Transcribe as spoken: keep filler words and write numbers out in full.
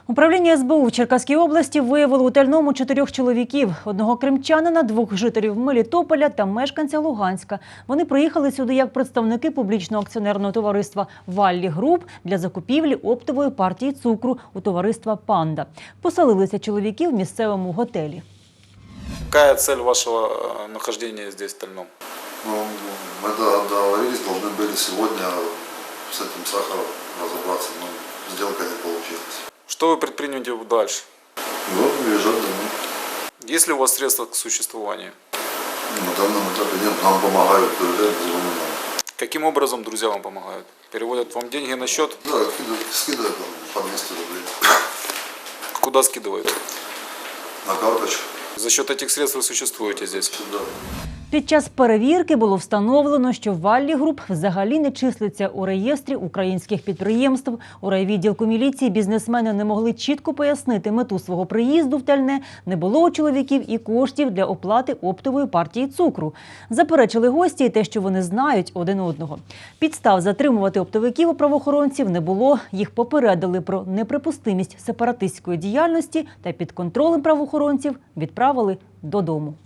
Управління ес бе у в Черкаській області виявило у Тальному чотирьох чоловіків – одного кримчанина, двох жителів Мелітополя та мешканця Луганська. Вони приїхали сюди як представники публічного акціонерного товариства «Валлі Груп» для закупівлі оптової партії цукру у товариства «Панда». Поселилися чоловіки в місцевому готелі. Какая цель вашего нахождения здесь, в Тальном? Ну, мы договорились, должны были сегодня с этим сахаром разобраться, но сделка не получилась. Что вы предпримете дальше? Ну, уезжать домой. Есть ли у вас средства к существованию? На данном этапе нет, нам помогают друзья, звонят нам. Каким образом друзья вам помогают? Переводят вам деньги на счет? Да, скидывают, скидывают по двести рублей. Куда скидывают? На карточку. За счет этих средств вы существуете здесь? Сюда. Під час перевірки було встановлено, що «Валлі Груп» взагалі не числиться у реєстрі українських підприємств. У райвідділку міліції бізнесмени не могли чітко пояснити мету свого приїзду в Тальне. Не було у чоловіків і коштів для оплати оптової партії цукру. Заперечили гості і те, що вони знають один одного. Підстав затримувати оптовиків у правоохоронців не було. Їх попередили про неприпустимість сепаратистської діяльності та під контролем правоохоронців відправили додому.